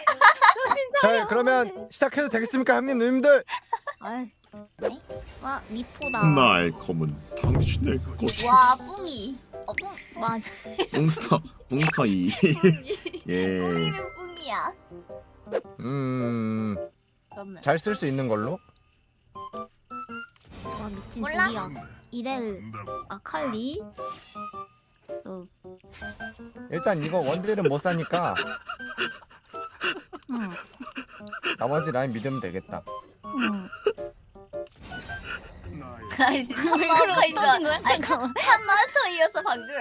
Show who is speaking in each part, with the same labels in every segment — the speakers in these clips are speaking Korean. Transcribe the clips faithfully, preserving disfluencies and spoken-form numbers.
Speaker 1: 자 그러면 시작해도 되겠습니까 형님 누님들?
Speaker 2: 아이. 와 미포다.
Speaker 3: 날컴은 당신의 것이.
Speaker 4: 와 뿡이. 어 뿡.
Speaker 2: 와
Speaker 3: 몽스터 몽스터 이. 예.
Speaker 4: 뿡이면 뿡이야.
Speaker 1: 음...
Speaker 4: 그러면
Speaker 1: 잘 쓸 수 있는 걸로?
Speaker 2: 와 미친
Speaker 4: 몰라?
Speaker 2: 소리야. 이렐 아칼리. 어.
Speaker 1: 일단 이거 원딜은 못 사니까
Speaker 2: 응.
Speaker 1: 나머지 라인 믿으면 되겠다.
Speaker 2: 응.
Speaker 4: 아니 진짜
Speaker 2: 왜
Speaker 4: 마우스가 있어.
Speaker 2: 그러는 거야?
Speaker 4: 아니
Speaker 2: 잠깐만.
Speaker 4: 한 마스터이었어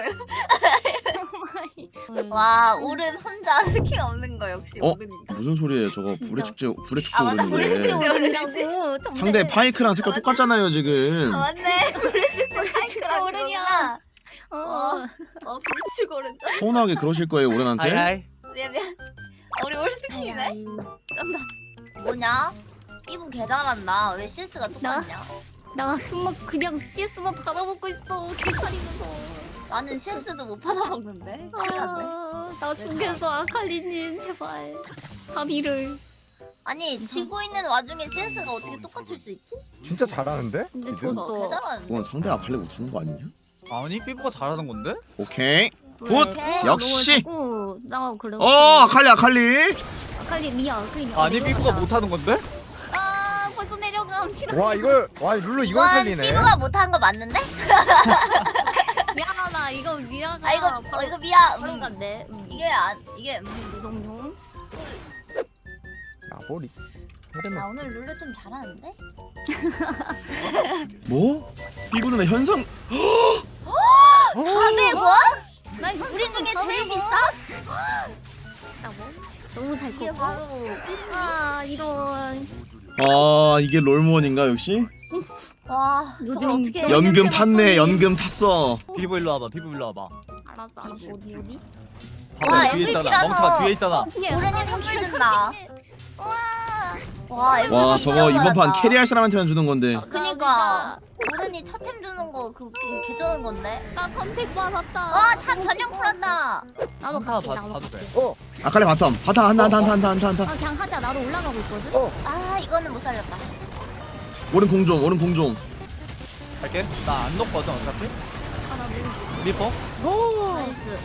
Speaker 4: 방금. 와 오른 혼자 스킬 없는 거 역시
Speaker 3: 어?
Speaker 4: 오른인가.
Speaker 3: 무슨 소리예요? 저거 불의 축제 불의 축제
Speaker 4: 아, 맞다. 불의 축제
Speaker 3: 오르는데.
Speaker 2: 오르냐고.
Speaker 3: 상대 파이크랑 색깔 똑같잖아요 지금.
Speaker 4: 아 맞네.
Speaker 2: 진짜 오르냐. 어.
Speaker 4: 어 불치 오른.
Speaker 3: 서운하게 그러실 거예요 오른한테.
Speaker 5: 아이아이.
Speaker 4: 미안 미안. 우리 올 스킬이네.
Speaker 2: 아이.
Speaker 4: 쩐다. 뭐냐? 피부 개 잘한다. 왜 씨에스가 똑같냐?
Speaker 2: 나 숨막 그냥 씨에스만 받아먹고 있어. 개칼이면서.
Speaker 4: 나는 씨에스도 못 받아먹는데. 큰일 났네.
Speaker 2: 아, 나 죽겠어 아칼리님 제발. 다비를.
Speaker 4: 아니 지고 있는 와중에 씨에스가 어떻게 똑같을 수 있지?
Speaker 1: 진짜 잘하는데?
Speaker 2: 근데
Speaker 1: 니들?
Speaker 2: 저도
Speaker 4: 어, 개 잘하는데.
Speaker 3: 그건 상대 아칼리 못하는 거 아니냐?
Speaker 5: 아니 삐부가 잘하는 건데?
Speaker 3: 오케이.
Speaker 2: 왜?
Speaker 3: 굿!
Speaker 2: 그거
Speaker 3: 역시!
Speaker 2: 너무 자꾸 나 그래.
Speaker 3: 어 아칼리 아칼리.
Speaker 2: 아칼리 미야. 아칼리
Speaker 5: 아니 삐부가 못하는 건데?
Speaker 2: 아 벌써 내려가. 싫어.
Speaker 1: 와 이걸 와 룰루 이걸
Speaker 4: 이건
Speaker 1: 살리네.
Speaker 4: 피부가 못한 거 맞는데?
Speaker 2: 미안하다. 이거 미야가.
Speaker 4: 아 이거
Speaker 2: 바로,
Speaker 4: 어, 이거 미야.
Speaker 2: 바로
Speaker 4: 음,
Speaker 2: 간대. 음.
Speaker 4: 이게 안 이게 음.
Speaker 2: 무동용.
Speaker 1: 나보리.
Speaker 4: 나
Speaker 1: 헤르메스.
Speaker 4: 오늘 룰루 좀 잘하는데?
Speaker 3: 뭐? 삐부는 현상.
Speaker 4: 사백 원?
Speaker 2: 나
Speaker 4: 우리 중에 제일
Speaker 2: 뭐?
Speaker 4: 비싸?
Speaker 2: 너무 잘
Speaker 4: 이게
Speaker 2: 컸고.
Speaker 4: 바로
Speaker 2: 아 이런.
Speaker 3: 아 이게 롤몬인가 역시?
Speaker 4: 와 저걸
Speaker 2: 요즘
Speaker 4: 어떻게
Speaker 2: 연-
Speaker 3: 연금 탔네 연금 탔어.
Speaker 5: 삐부 일로 와봐. 삐부 일로 와봐.
Speaker 2: 알았어 알았어 어디 어디?
Speaker 5: 봐봐
Speaker 4: 와,
Speaker 5: 뒤에 있잖아.
Speaker 4: 엠브이피라서.
Speaker 5: 멍청아 뒤에 있잖아.
Speaker 4: 오른이 선물 준다.
Speaker 2: 와.
Speaker 4: 와
Speaker 3: 와
Speaker 4: 이거
Speaker 3: 저거
Speaker 4: 진짜
Speaker 3: 이번 판
Speaker 4: 잘한다.
Speaker 3: 캐리할 사람한테만 주는 건데.
Speaker 4: 그니까 오른이 첫템 주는 거 그거 개쩌는 건데.
Speaker 2: 나 선택 받았다.
Speaker 4: 와탑 전령 풀었다.
Speaker 2: 나도
Speaker 5: 한타
Speaker 2: 갈게
Speaker 5: 봐-
Speaker 2: 나도
Speaker 5: 봐도
Speaker 2: 갈게.
Speaker 5: 돼.
Speaker 1: 어.
Speaker 3: 아칼리 바텀 바텀 한타 한타 한타 한타 한타.
Speaker 2: 아 그냥 하자. 나도 올라가고 있거든.
Speaker 1: 어.
Speaker 4: 아 이거는 못 살렸다.
Speaker 3: 오른 공좀 오른 공좀.
Speaker 5: 갈게. 나 안 녹거든 어차피.
Speaker 2: 아나 모르겠어.
Speaker 5: 리퍼.
Speaker 2: 나이스.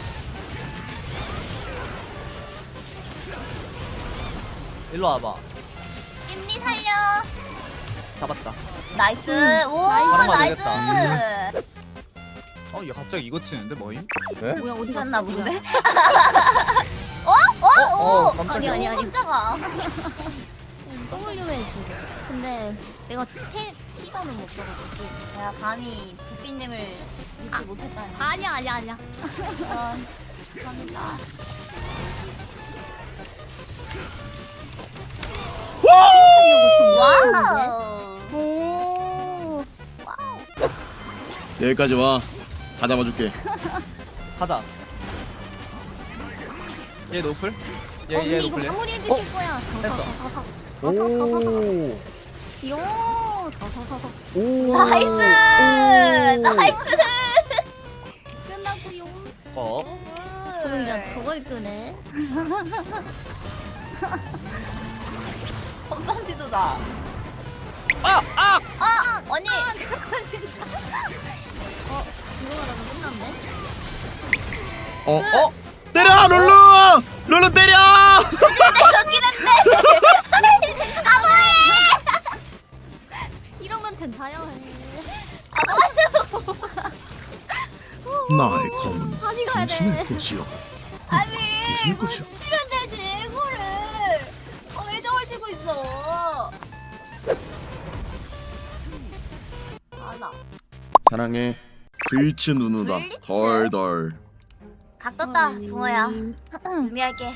Speaker 5: 일로 와봐.
Speaker 4: 임리 살려.
Speaker 5: 잡았다.
Speaker 4: 나이스.
Speaker 2: 음,
Speaker 4: 오
Speaker 5: 나이스.
Speaker 4: 나이스.
Speaker 5: 어, 얘 갑자기 이거 치는데 뭐임?
Speaker 1: 네?
Speaker 2: 뭐야 어디
Speaker 4: 미쳤나
Speaker 2: 갔어,
Speaker 4: 본데?
Speaker 2: 뭐야?
Speaker 4: 어? 오!
Speaker 1: 어
Speaker 2: 아니
Speaker 1: 깜짝이야.
Speaker 2: 아니 아니.
Speaker 4: 깜짝아.
Speaker 2: W 해지. 근데 내가 태 티가는 못 써가지고.
Speaker 4: 내가 감히 부피님을 믿지 못했다니.
Speaker 2: 아니야 아니야 아니야.
Speaker 4: 어, 감사합니다. 와우.
Speaker 2: 오.
Speaker 3: 여기까지 와. 다 잡아줄게.
Speaker 5: 하자. 얘 노플? 얘,
Speaker 2: 어
Speaker 5: 얘
Speaker 2: 근데 이거
Speaker 5: 노플 얘?
Speaker 2: 마무리 해주실 거야.
Speaker 5: 됐어.
Speaker 2: 사사사사사.
Speaker 1: 오.
Speaker 2: 요. 사사사사.
Speaker 1: 오.
Speaker 4: 나이스! 나이스!
Speaker 2: 끝나고요.
Speaker 5: 어?
Speaker 2: 그럼 이제 저걸 끄네.
Speaker 4: 건방지도다.
Speaker 5: 아! 아!
Speaker 4: 아! 언니!
Speaker 2: 어 이거 하다가 끝났네.
Speaker 3: 어 어. 때려 룰루 룰루 때려.
Speaker 2: 이런 건 괜찮아요.
Speaker 3: 날컴은
Speaker 2: 다시 가야
Speaker 3: 당신의
Speaker 2: 돼.
Speaker 3: 것이여.
Speaker 4: 아니!
Speaker 3: 당신의 것이여.
Speaker 4: 시간 되지, 이거를! 어, 왜 저걸 찍고 있어? 아나.
Speaker 3: 사랑해. 불츠 누누다.
Speaker 4: 불츠?
Speaker 3: 덜덜.
Speaker 4: 각 떴다,
Speaker 2: 음.
Speaker 4: 붕어야. 의미할게.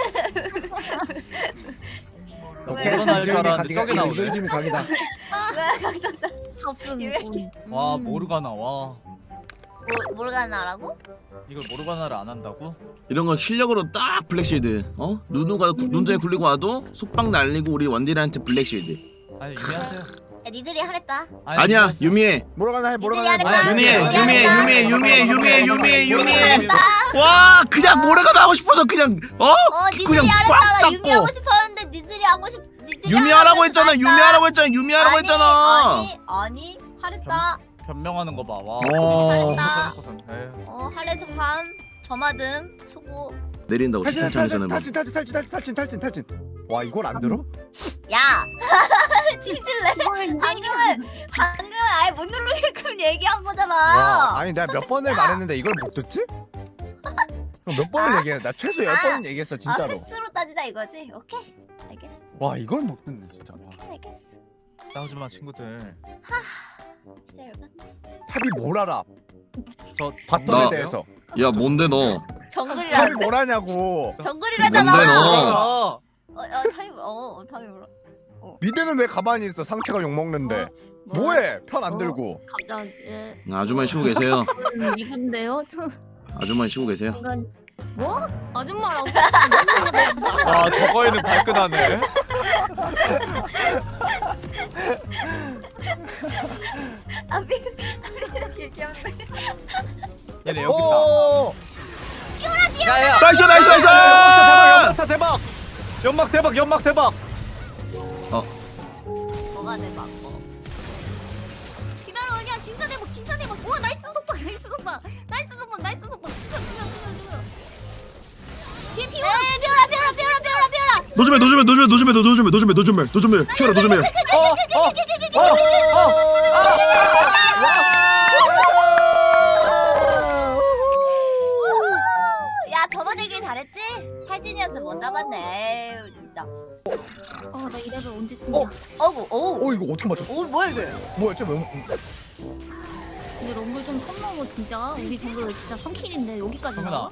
Speaker 5: 나
Speaker 4: 왜?
Speaker 5: 코로나 할줄 알았는데 저기 나오네.
Speaker 1: 이글님이 각이다.
Speaker 4: 왜 각 떴다?
Speaker 2: 없음.
Speaker 4: 이왜
Speaker 5: 와 모르가나 와.
Speaker 4: 뭐, 모르가나라고?
Speaker 5: 이걸 모르가나를 안 한다고?
Speaker 3: 이런 거 실력으로 딱 블랙실드. 어? 누누가 구- 눈전에 굴리고 와도 속박 날리고 우리 원딜한테 블랙실드.
Speaker 5: 아니 유미한테
Speaker 4: 니들이 하랬다.
Speaker 3: 아니야 유미해.
Speaker 1: 모르가나 해 모르가나 해.
Speaker 4: 니들이
Speaker 1: 모르가나
Speaker 3: 유미해
Speaker 1: 해.
Speaker 4: 하랬다.
Speaker 3: 유미해 유미해 유미해 유미해 유미해 유미해.
Speaker 4: 하랬다.
Speaker 3: 와 그냥 모래가 하고 싶어서 그냥 어?
Speaker 4: 어
Speaker 3: 그냥
Speaker 4: 니들이
Speaker 3: 꽉
Speaker 4: 하랬다. 나
Speaker 3: 닫고.
Speaker 4: 유미하고 싶었는데 니들이 하고 싶. 니들이
Speaker 3: 유미하라고 했잖아
Speaker 4: 하랬다.
Speaker 3: 유미하라고 했잖아 유미하라고
Speaker 4: 아니,
Speaker 3: 했잖아.
Speaker 4: 아니 아니 하랬다.
Speaker 5: 변명하는 거 봐. 와.
Speaker 3: 와.
Speaker 4: 하랬다.
Speaker 5: 고생, 고생. 에휴.
Speaker 4: 어 할래서 함 저마듬 수고.
Speaker 3: 내린다고
Speaker 1: 탈진
Speaker 3: 칭찬하잖아.
Speaker 1: 탈진 탈진 탈진 탈진 탈진 탈진 탈진 탈진. 와 이걸 안 들어?
Speaker 4: 야 뒤질래.
Speaker 2: 그걸
Speaker 4: 방금은 방금은 아예 못 누르게끔 얘기한
Speaker 1: 와
Speaker 4: 거잖아.
Speaker 1: 아니 내가 몇 번을 말했는데 이걸 못 듣지? 그럼 몇 번을 얘기해? 나 최소 열
Speaker 4: 아.
Speaker 1: 번은 얘기했어
Speaker 4: 아
Speaker 1: 진짜로.
Speaker 4: 횟수로 따지자 이거지. 오케이 알겠어.
Speaker 1: 와 이걸 못 듣네 진짜. 와.
Speaker 4: 알겠어.
Speaker 5: 싸우지 마 친구들.
Speaker 4: 진짜 열받네.
Speaker 1: 탑이 뭘 알아?
Speaker 5: 저
Speaker 1: 바텀에
Speaker 3: 나-
Speaker 1: 대해서.
Speaker 3: 야 뭔데 너?
Speaker 4: 정글이라
Speaker 1: 탑이 뭘 하냐고.
Speaker 4: 정글이라잖아.
Speaker 3: 뭔데, 너?
Speaker 5: 어.
Speaker 4: 어, 어 타임 어, 어 타임 뭐라.
Speaker 1: 미드는 왜 가만히 있어? 상체가 욕 먹는데.
Speaker 2: 뭐?
Speaker 1: 뭐해? 편 안
Speaker 2: 어?
Speaker 1: 들고.
Speaker 2: 갑자기
Speaker 3: 아줌마 쉬고 계세요.
Speaker 2: 이건데요?
Speaker 3: 아줌마 쉬고 계세요.
Speaker 2: 잠깐 뭐? 아줌마라고?
Speaker 5: 와 저거에는 발끈하네.
Speaker 4: 아 미. 귀엽네.
Speaker 5: 얘네 여기 있다.
Speaker 1: 오.
Speaker 5: 야야.
Speaker 3: 나이스 나이스 나이스.
Speaker 5: 연막 대박. 연막 대박. 연막 대박.
Speaker 4: 뭐가 대박 뭐.
Speaker 2: 기다려 그냥 진짜 대박 진짜 대박. 우와 나이스 속박 나이스 속박 나이스 속박 나이스 속박 죽여 죽여 죽여 죽여. 뒤에 피오라
Speaker 4: 에이 비오라 비오라 비오라 비오라 비오라.
Speaker 3: 노즈멜 노즈멜 노즈멜 노즈멜 노즈멜 노즈멜 노즈멜 노즈멜 피어라 노즈멜.
Speaker 5: 어. 어. 어.
Speaker 4: 야 접어들길 잘했지? 탈진이었으면 못 잡았네. 에휴 진짜.
Speaker 2: 어나 이래서 언제쯤이야.
Speaker 1: 어.
Speaker 4: 어구 오.
Speaker 1: 어 이거 어떻게 맞췄어?
Speaker 4: 오 뭐야 이게?
Speaker 1: 뭐야 쟤 왜?
Speaker 2: 근데 럼블 좀 선 넘어 진짜. 우리 정글 진짜 선킬인데 여기까지
Speaker 5: 정은아.
Speaker 2: 나와?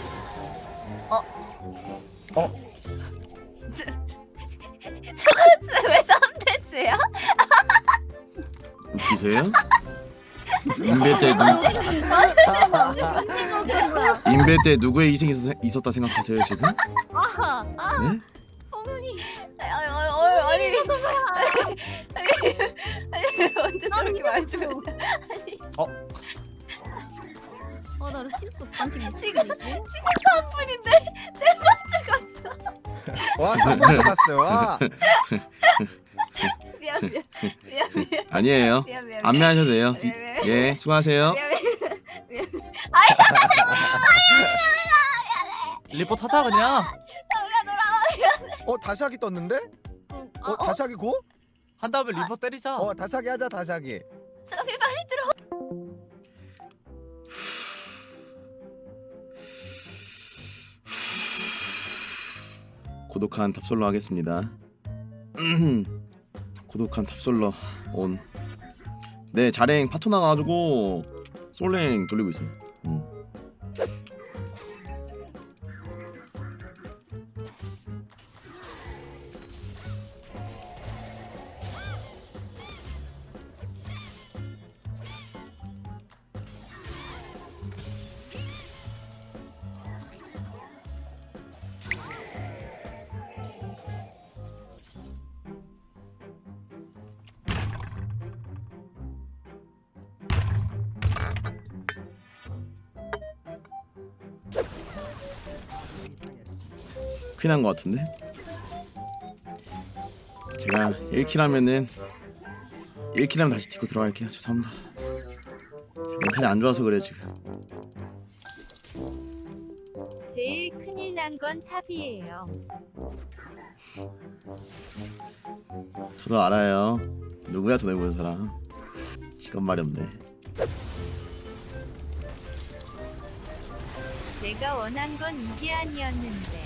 Speaker 4: 저거 왜 삼대스야?
Speaker 3: 웃기세요? 인베 때 누,
Speaker 2: 언제 그렇게 된 거야?
Speaker 3: 인베 때 누구의 희생이 있었, 있었다 생각하세요 지금?
Speaker 2: 아, 아,
Speaker 3: 네?
Speaker 2: 성은이
Speaker 4: 아니 아니 아니 아니
Speaker 2: 누구야?
Speaker 4: 아니 언제 저렇게 말투를?
Speaker 2: 아, 나 실수 반칙 못
Speaker 4: 지금
Speaker 2: 지금
Speaker 4: 지금 한 분인데 내 먼저 갔어.
Speaker 1: 와 삼번 쳐갔어. 와.
Speaker 4: 미안 미안 미안 미안
Speaker 3: 아니에요.
Speaker 4: 미안 미안.
Speaker 3: 안매하셔도 돼요.
Speaker 4: 미안, 미안.
Speaker 3: 예 수고하세요.
Speaker 4: 미안 미안 미안.
Speaker 5: 리포 타자 그냥.
Speaker 4: 정우야 돌아와.
Speaker 1: 어 다시 하기 떴는데?
Speaker 2: 그럼
Speaker 1: 어,
Speaker 2: 아, 어?
Speaker 1: 다시 하기 고?
Speaker 5: 한 다음에 리포 때리자.
Speaker 1: 어 다시 하기 하자 다시 하기.
Speaker 4: 정우 빨리 들어.
Speaker 3: 고독한 탑솔로 하겠습니다. 고독한 탑솔로 온. 네 자랭 파토 나가지고 솔랭 돌리고 있어요. 음. 큰일 난 것 같은데? 제가 일 킬 하면은 일 킬 하면 다시 딛고 들어갈게요. 죄송합니다. 제가 멘탈이 안 좋아서 그래 지금.
Speaker 6: 제일 큰일 난 건 탑이에요.
Speaker 3: 저도 알아요. 누구야 돈해 보는 사람. 직업 말이 없네.
Speaker 6: 내가 원한 건 이게 아니었는데.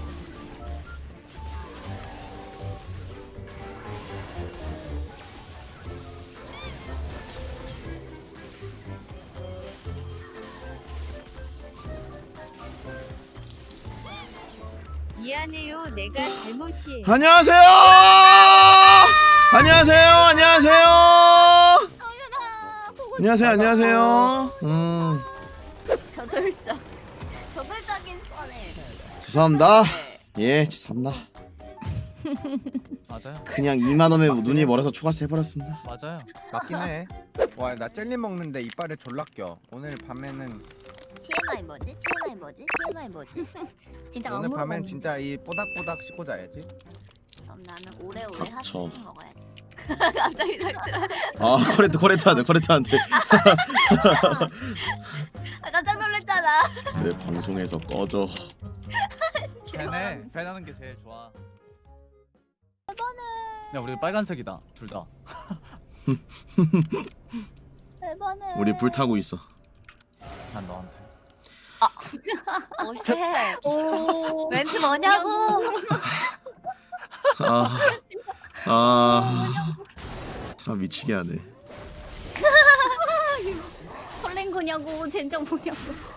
Speaker 6: 미안해요. 내가 잘못이에요.
Speaker 3: 안녕하세요. 안녕하세요. 안녕하세요.
Speaker 2: 성윤아 보고
Speaker 3: 안녕하세요. 안녕하세요. 음
Speaker 4: 저돌적 저돌적인 선을.
Speaker 3: 죄송합니다. 예 죄송합니다.
Speaker 5: 맞아요.
Speaker 3: 그냥 이만 원에 눈이 멀어서 초과세 해버렸습니다.
Speaker 5: 맞아요.
Speaker 1: 맞긴 해. 와 나 젤리 먹는데 이빨에 졸라 껴. 오늘 밤에는
Speaker 4: 티엠아이 뭐지? 티엠아이 뭐지? 티엠아이 뭐지?
Speaker 2: 진짜
Speaker 1: 오늘
Speaker 2: 아무런
Speaker 1: 밤엔
Speaker 2: 거
Speaker 1: 진짜 이 뽀닥뽀닥 씻고 자야지.
Speaker 4: 그럼 나는 오래오래
Speaker 3: 닥쳐.
Speaker 4: 핫스틱 먹어야지. 갑자기 닥쳐.
Speaker 3: 아 코레트 코레트한테 코레트한테
Speaker 4: 아, 깜짝 놀랐잖아.
Speaker 3: 내 방송에서 꺼져.
Speaker 5: 밴해. 밴하는 게 제일 좋아. 야 우리 빨간색이다 둘 다.
Speaker 2: 대박네.
Speaker 3: 우리 불 타고 있어.
Speaker 5: 난 너한테.
Speaker 4: 오쉣.
Speaker 2: 오.
Speaker 4: 멘트 뭐냐고.
Speaker 3: 아, 아, 아 미치게 하네.
Speaker 2: 설렌 거냐고 젠장 뭐냐고.